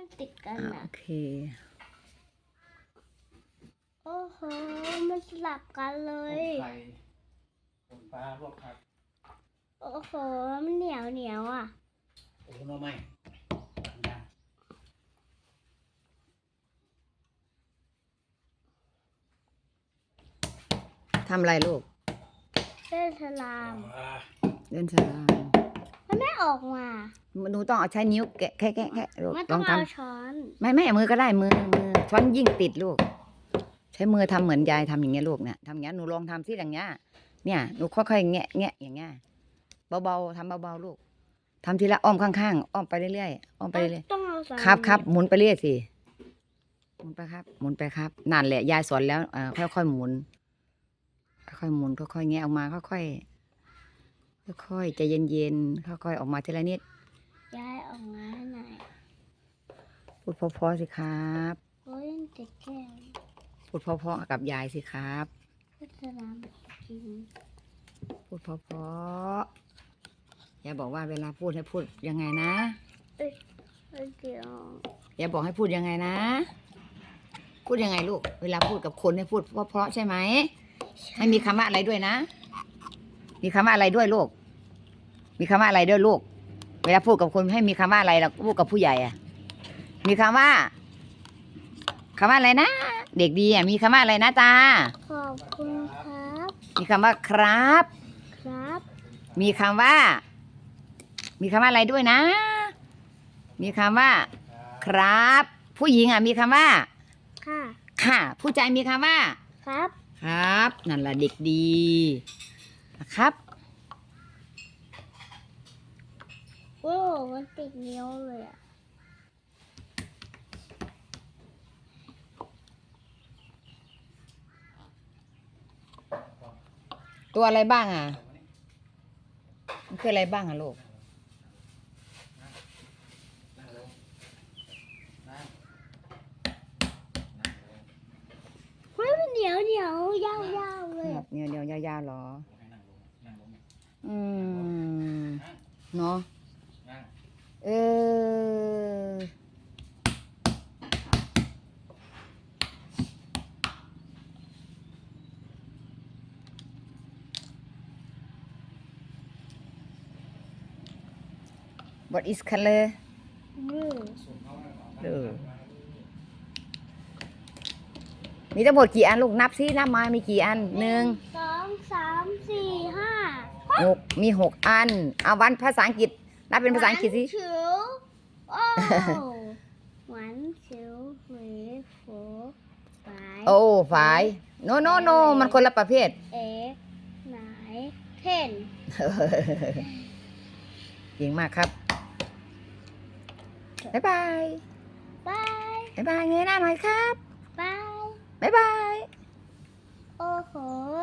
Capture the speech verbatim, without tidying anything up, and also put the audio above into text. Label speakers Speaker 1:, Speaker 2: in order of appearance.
Speaker 1: ติดกัน
Speaker 2: อ่ะ
Speaker 1: นะ
Speaker 2: โอเค
Speaker 1: โอ้โหมันสลับกันเล
Speaker 3: ต้
Speaker 1: ย
Speaker 3: มไข่ต้มปลาลวกผัก
Speaker 1: โอ้โหมันเหนียวเหนียวอ่ะ
Speaker 3: โอ้โหไม่ย่าง
Speaker 2: ทำอะไรลูก
Speaker 1: เล่นสลาม
Speaker 3: อ่า
Speaker 2: เล่นสลาม
Speaker 1: มันไม่ออกมา
Speaker 2: หนูต้องเอาใช้นิ้วแกะแค่แค่แค่ลูก
Speaker 1: มัน
Speaker 2: ล
Speaker 1: ต้อ
Speaker 2: อง งท
Speaker 1: เอาช้อน
Speaker 2: ำไม่ไม่มือก็ได้มือมือช้อนยิ่งติดลูก ใช้มือทำเหมือนยายทำอย่างเงี้ยลูกเนี่ยทำอย่างเงี้ยหนูลองทำที่อย่างเงี้ย เนี่ยหนูค่อยๆแงะแงะอย่างเงี้ย เบาๆทำเบาๆลูกทำทีละอ้อมข้างๆอ้อมไปเรื่อยๆอ้อมไปเรื่อย
Speaker 1: ต้องเอาสา
Speaker 2: ๆครับครับหมุนไปเรื่อยสิหมุนไปครับ หมุนไปครับนั่นแหละยายสอนแล้วอ่าค่อยๆหมุน ค่อยๆหมุนค่อยๆแงะออกมาค่อยๆค่อยๆใจเย็นๆค่อยๆออกมาทีละนิด
Speaker 1: ย้ายออกมาให้หน่อย
Speaker 2: พูดเพราะๆสิครับ
Speaker 1: โอ้ยมันติดแก้ว
Speaker 2: พูดเพราะๆกับยายสิครับ
Speaker 1: เล่นสลามกิน
Speaker 2: พูดเพราะๆยายบอกว่าเวลาพูดให้พูดยังไงนะ
Speaker 1: เอ้ยเอ้ยเดี๋ยวย
Speaker 2: ายบอกให้พูดยังไงนะ พูดยังไงลูก เวลาพูดกับคนให้พูดเพราะๆใช่ไหมให้มีคำว่าอะไรด้วยนะ มีคำว่าอะไรด้วยลูก มีคำว่าอะไรด้วยลูก เวลาพูดกับคนให้มีคำว่าอะไรเราพูดกับผู้ใหญ่อะมีคำว่าคำว่าอะไรนะ เด็กดีอะมีคำว่าอะไรนะตา
Speaker 1: ขอบคุณครับ
Speaker 2: มีคำว่าครับ
Speaker 1: ครับ
Speaker 2: มีคำว่า มีคำว่าอะไรด้วยนะ มีคำว่า ครับ ผู้หญิงอ่ะมีคำว่า
Speaker 1: ค่ะ
Speaker 2: ค่ะ ผู้ชายมีคำว่า
Speaker 1: ครับ
Speaker 2: ครับ นั่นแหละเด็กดีนะครับ
Speaker 1: โอ้มันติดนิ้วเลยอ่ะ
Speaker 2: ตัวอะไรบ้างอ่ะ มันคืออะไรบ้างอ่ะลูก
Speaker 3: นั่งลงนั่งนั่งลง
Speaker 1: เฮ้ยมันเหนียวเหนียวยาวยาวเลยอะ
Speaker 2: เดี๋ยวเดี๋ยวยาวๆหรอ
Speaker 3: ให้นั่งลงนั่งลง
Speaker 2: อืม
Speaker 3: นั่ง
Speaker 2: เนาะ
Speaker 3: นั่ง
Speaker 2: เออ What is color
Speaker 1: มือ
Speaker 2: เออมีทั้งหมดกี่อันลูกนับซินับมามีกี่อันหนึ่ง
Speaker 1: สองสามสี่ห้า
Speaker 2: หกมีหกอัน เอาวันภาษาอังกฤษนับเป็นภาษาอังกฤษสิ
Speaker 1: หวานฉิวโอ้หวานฉิวหวีโฟฝาย
Speaker 2: โอ้ฝายโนโนโนมันคนละประเภท
Speaker 1: เอไหนเทน
Speaker 2: เก่งมากครับ บ๊ายบาย
Speaker 1: บาย
Speaker 2: บ๊ายบายเงยหน้าหน่อยครับ
Speaker 1: บาย
Speaker 2: บ๊ายบาย
Speaker 1: โอ้โห